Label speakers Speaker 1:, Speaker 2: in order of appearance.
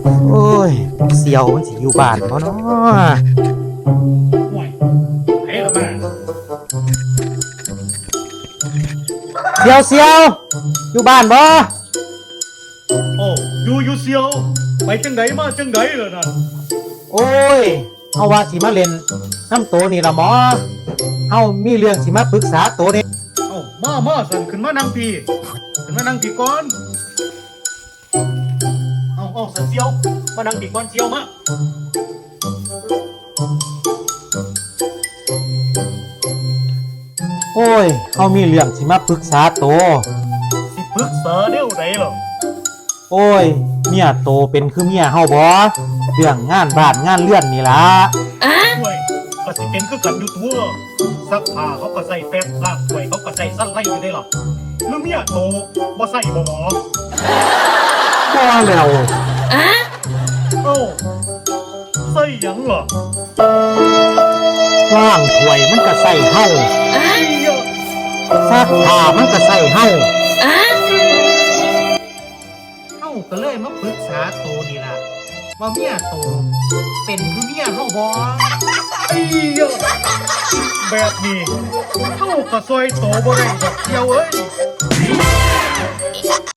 Speaker 1: โอ้ยเสี่ยวมันสิอยู่บ้านบ่เนาะ
Speaker 2: ห่วยไอ้ละมา
Speaker 1: เสี่ยวอยู่บ้านบ่
Speaker 2: โอ้อยู่เซียวไปจังไดมาจังไดล่ะนั่น
Speaker 1: โอ้ยเฮาว่าสิมาเล่นน้ำโตนี่ล่ะหมอเฮามีเรื่องสิมาปรึกษาโตนี่
Speaker 2: เอ้ามาสั่นขึ้นมานั่งพี่ขึ้นมานั่งพี่ก่อนเอาสั่นเซียวมานั่งพี่ก่อนเซียวมา
Speaker 1: โอ้ยเฮามีเรื่องสิมาปรึกษาโต
Speaker 2: สิปรึกษาแนวใดล่ะ
Speaker 1: โอ้ยเมียโตเป็นคือเมียเฮาบ่เรื่องงานบ้านงานเรือนนี่ล่ะ
Speaker 2: ห่วยก็สิเป็นคือกันอยู่ตัวซักผ้าเขาก็ใส่แฟบล้างถ้วยเขาก็ใส่สั้นไล่อยู่ได้หรอหรือเมียโตบ่ใส่บ่หมอ
Speaker 1: บ่แล้ว
Speaker 2: เอ้าใส่หยังล่ะ
Speaker 1: ล้างถ้วยมันก็ใส่เฮาซักผ้ามันก็ใส่เฮาเฮาก็เลยมาปรึกษาโตนี่ล่ะว่าเมียโตเป็นคือเมียเฮาบ่
Speaker 2: แบบนี้เท่ากับซอยโตบ่ได้ดอกเดียวเอ้ย